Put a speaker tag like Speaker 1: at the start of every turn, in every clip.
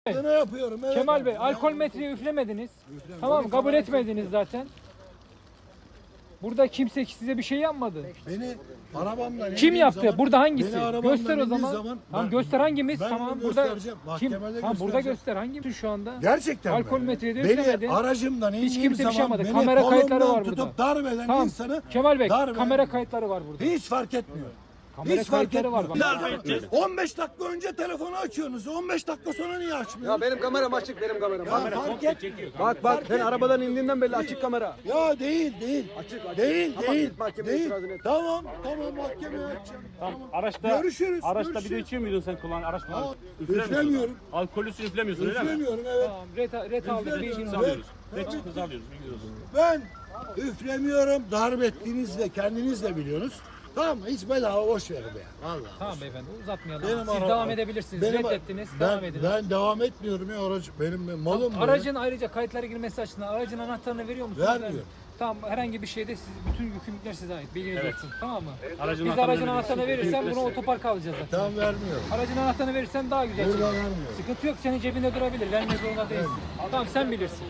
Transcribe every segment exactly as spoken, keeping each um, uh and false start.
Speaker 1: Ne yapıyorum? Evet.
Speaker 2: Kemal Bey, alkol metreyi üflemediniz. Tamam, kabul etmediniz zaten. Burada kimse size bir şey yapmadı.
Speaker 1: Beni arabamla
Speaker 2: Kim yaptı?
Speaker 1: Zaman,
Speaker 2: burada hangisi?
Speaker 1: Göster
Speaker 2: Göster o zaman.
Speaker 1: zaman
Speaker 2: tamam
Speaker 1: ben,
Speaker 2: göster hangimiz?
Speaker 1: ben
Speaker 2: Tamam burada kim? Tamam burada
Speaker 1: göstereceğim.
Speaker 2: göster hangimiz şu anda?
Speaker 1: Gerçekten
Speaker 2: alkol
Speaker 1: mi?
Speaker 2: metreyi de
Speaker 1: Beni
Speaker 2: üflemedin.
Speaker 1: aracımdan indiğim
Speaker 2: Hiç kimse bir şey
Speaker 1: zaman
Speaker 2: yapmadı.
Speaker 1: beni
Speaker 2: Kamera kayıtları
Speaker 1: kolumdan
Speaker 2: var burada.
Speaker 1: tutup darp eden
Speaker 2: Tamam.
Speaker 1: insanı
Speaker 2: Kemal Bey,
Speaker 1: darp
Speaker 2: kamera
Speaker 1: eden-
Speaker 2: kayıtları var burada.
Speaker 1: Hiç fark etmiyor.
Speaker 2: Kamera
Speaker 1: Hiç fark
Speaker 2: kayıtları var
Speaker 1: etmiyor.
Speaker 2: bak.
Speaker 1: on beş dakika önce telefonu açıyorsunuz. on beş dakika sonra niye açmıyorsunuz?
Speaker 3: Ya benim kameram açık, benim kameram.
Speaker 1: Ya fark et.
Speaker 3: Bak bak, ben arabadan indiğimden belli açık kamera.
Speaker 1: Ya değil değil.
Speaker 3: Açık, açık.
Speaker 1: Değil
Speaker 3: Tamam,
Speaker 1: değil.
Speaker 3: git mahkemeye
Speaker 1: Değil.
Speaker 3: itirazını et.
Speaker 1: Tamam tamam mahkemeye açacağım. Tamam.
Speaker 4: Araçta,
Speaker 1: Görüşürüz,
Speaker 4: araçta
Speaker 1: görüşürüz.
Speaker 4: bir de içiyor muydun sen kullan araç kullan?
Speaker 1: Aa, üflemiyorum.
Speaker 4: Alkolüsü üflemiyorsun öyle mi?
Speaker 1: Üflemiyorum evet.
Speaker 2: Tamam, ret, ret aldık.
Speaker 1: Üflemiyorum.
Speaker 2: bilginiz
Speaker 1: Ben-
Speaker 2: olsun.
Speaker 4: Alıyoruz. Red çıktı alıyoruz. bilginiz olsun.
Speaker 1: Ben üflemiyorum. Darp ettiğiniz de kendiniz de biliyorsunuz. Tamam mı? Hiç bedava boş verin be. Vallahi.
Speaker 2: Tamam beyefendi uzatmayalım.
Speaker 1: Benim
Speaker 2: Siz
Speaker 1: araba-
Speaker 2: devam edebilirsiniz.
Speaker 1: Benim-
Speaker 2: Reddettiniz.
Speaker 1: Ben,
Speaker 2: devam edin.
Speaker 1: ben devam etmiyorum ya aracı. Benim malım bu.
Speaker 2: Aracın ayrıca kayıtlara girmesi açısından aracın anahtarını veriyor musunuz?
Speaker 1: Vermiyor.
Speaker 2: Tamam herhangi bir şeyde siz, bütün yükümlülükler size ait. Bilginiz
Speaker 4: Evet.
Speaker 2: olsun. Tamam mı?
Speaker 4: Aracın
Speaker 2: Biz
Speaker 4: anahtarını
Speaker 2: aracın
Speaker 4: veriyoruz.
Speaker 2: anahtarını verirsen bunu
Speaker 4: Yükümlülükler
Speaker 2: otoparka alacağız zaten.
Speaker 1: Tamam vermiyorum.
Speaker 2: Aracın anahtarını verirsen daha güzel.
Speaker 1: Burada
Speaker 2: çıkar.
Speaker 1: vermiyorum.
Speaker 2: Sıkıntı yok senin cebinde durabilir. Vermek zorunda değilsin. Tamam sen bilirsin.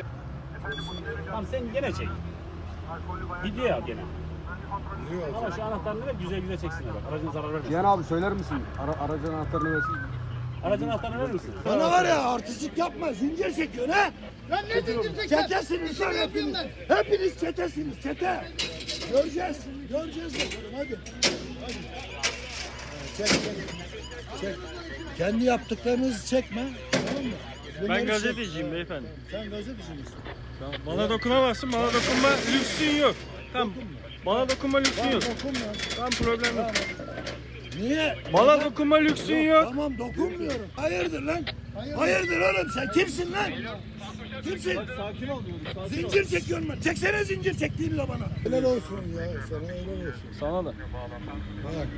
Speaker 4: Tamam sen gene çek. Video al gene.
Speaker 1: Biliyor
Speaker 4: Ama şu anahtarını ver güzel güzel çeksinler bak. Aracın zarar vermesin.
Speaker 3: Cihan abi söyler misin? Ara, aracın anahtarını versin.
Speaker 4: Aracın anahtarını verir misin?
Speaker 1: Bana var ya artistlik yapma. Zincir çekiyorsun ha.
Speaker 5: Lan ne zincir çeker?
Speaker 1: Çetesiniz lan hepiniz. Hepiniz çetesiniz. Çete. Göreceğiz. Göreceğiz bakalım hadi. Hadi. Çek çek. Çek. Kendi yaptıklarınızı çekme. Tamam mı? Bunları
Speaker 6: Ben
Speaker 1: çek.
Speaker 6: gazeteciyim beyefendi.
Speaker 1: Sen gazeteci misin?
Speaker 6: Bana dokunamazsın, bana dokunma lüksün yok. Tamam. Bana dokunma lüksün yok.
Speaker 1: Dokunma.
Speaker 6: Tamam problem yok.
Speaker 1: Niye?
Speaker 6: Bana
Speaker 1: Neden?
Speaker 6: dokunma lüksün yok.
Speaker 1: Tamam dokunmuyorum. Hayırdır lan? Hayırdır oğlum sen kimsin lan? Kimsin?
Speaker 3: Sakin ol diyorum.
Speaker 1: Zincir çekiyorum ben. Çeksene zincir çektiğini de bana. Helal olsun ya. Sana helal olsun.
Speaker 3: Sana da.
Speaker 1: Bak.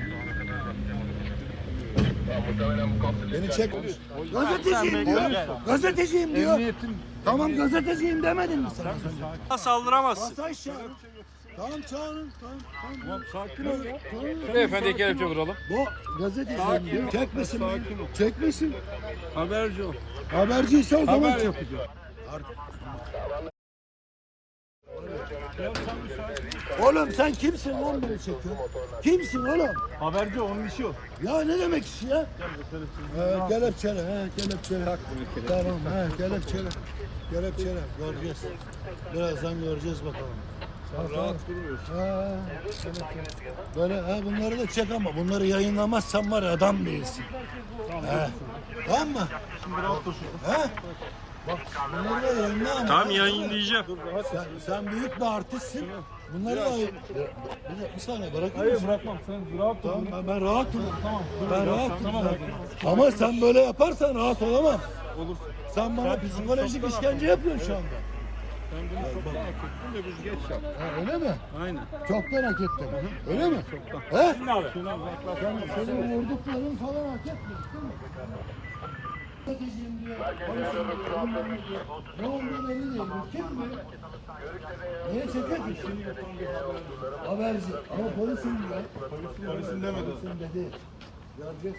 Speaker 1: Beni çekmiş. Gazeteciyim diyor. Gazeteciyim diyor. Tamam gazeteciyim demedin mi sana? az önce?
Speaker 6: Saldıramazsın.
Speaker 1: Masaj çağırın. Tamam çağırın. Tamam. Tamam.
Speaker 3: Sakin ol ya.
Speaker 1: Tamam.
Speaker 6: Beyefendi kelepçe vuralım.
Speaker 1: Bu gazeteciyim diyor. Çekmesin beni. Çekmesin.
Speaker 6: Haberci ol.
Speaker 1: Haberciyse o zaman
Speaker 6: Haber
Speaker 1: çek.
Speaker 6: yapacağım.
Speaker 1: Oğlum sen kimsin lan beni çekiyorsun? Kimsin oğlum?
Speaker 6: Haberci onun işi o.
Speaker 1: Ya ne demek iş ya? He, kelepçele, he, kelepçele. Tamam, he, kelepçele. Kelepçele, göreceğiz. Birazdan göreceğiz bakalım. Rahat duruyorsun. He, kelepçele. Böyle, he, bunları da çek ama bunları yayınlamazsan var ya adam değilsin. He. Tamam mı? Şimdi rahat dur. He? Bak bunları da yayınla ama.
Speaker 6: Tamam yayınlayacağım.
Speaker 1: Sen, sen büyük bir artistsin. Bunları da bir, bir, bir saniye bırakır
Speaker 6: Hayır
Speaker 1: mısın?
Speaker 6: bırakmam. Sen rahat dur.
Speaker 1: Tamam ben, ben rahatım.
Speaker 6: Tamam. dur
Speaker 1: Ben
Speaker 6: biraz.
Speaker 1: rahatım.
Speaker 6: Tamam.
Speaker 1: ben. Ama sen böyle yaparsan rahat olamam.
Speaker 6: Olursun.
Speaker 1: Sen bana psikolojik işkence yapıyorsun şu anda.
Speaker 6: Ben bunu çoktan hak ettim de biz geç yap.
Speaker 1: Ha, öyle mi?
Speaker 6: Aynen.
Speaker 1: Çoktan hak ettin. Öyle mi? Çoktan. He?
Speaker 4: Şimdi abi.
Speaker 1: Sen, senin vurdukların falan hak etmedi değil mi? Stratejiyim diyor, polisim diyor, bilmem diyor. Ne olduğu belli değil. Bu kim bu? Niye çekiyor ki? Haberci. Ama polisim diyor. Polisim demedi. Polisim dedi. Göreceğiz.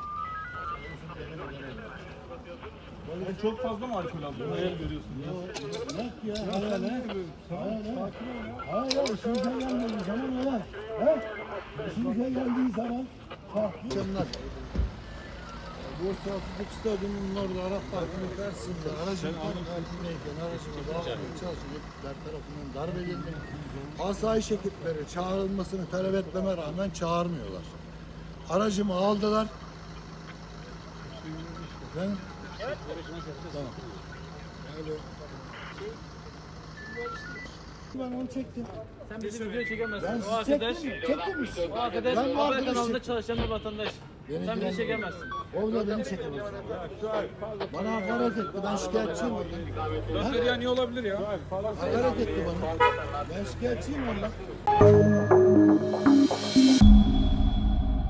Speaker 6: Sen çok fazla mı alkol aldın? Hayal görüyorsun.
Speaker 1: Yok ya. Hayal he. Hayal he. Hayır ya. İşimize geldiği zaman öyle. He? İşimize geldiği zaman farklı. Canlar. Bursa Atatürk Stadyumu'nun orada Arap Parkı'nın karşısında aracın park halindeyken aracıma bağlamaya çalışan ekipler tarafından darp edildim. Asayiş ekipleri çağrılmasını talep etmeme rağmen çağırmıyorlar. Aracımı aldılar. Ben... Tamam. Alo. Ben onu çektim.
Speaker 7: Sen bizi video çekemezsin.
Speaker 1: Ben
Speaker 7: O
Speaker 1: sizi
Speaker 7: arkadaş,
Speaker 1: çektim. Çektim işte.
Speaker 7: o arkadaş
Speaker 1: Ben bu
Speaker 7: haber
Speaker 1: arkadaşı
Speaker 7: kanalında çalışan bir vatandaş.
Speaker 1: Beni
Speaker 7: Sen bizi
Speaker 1: ilgilendirmiyor.
Speaker 7: çekemezsin.
Speaker 1: O da beni çekemez. Bana hakaret etti. Ben şikayetçiyim ondan.
Speaker 6: Dört ya niye olabilir ya?
Speaker 1: Hakaret etti bana. Ben şikayetçiyim ondan.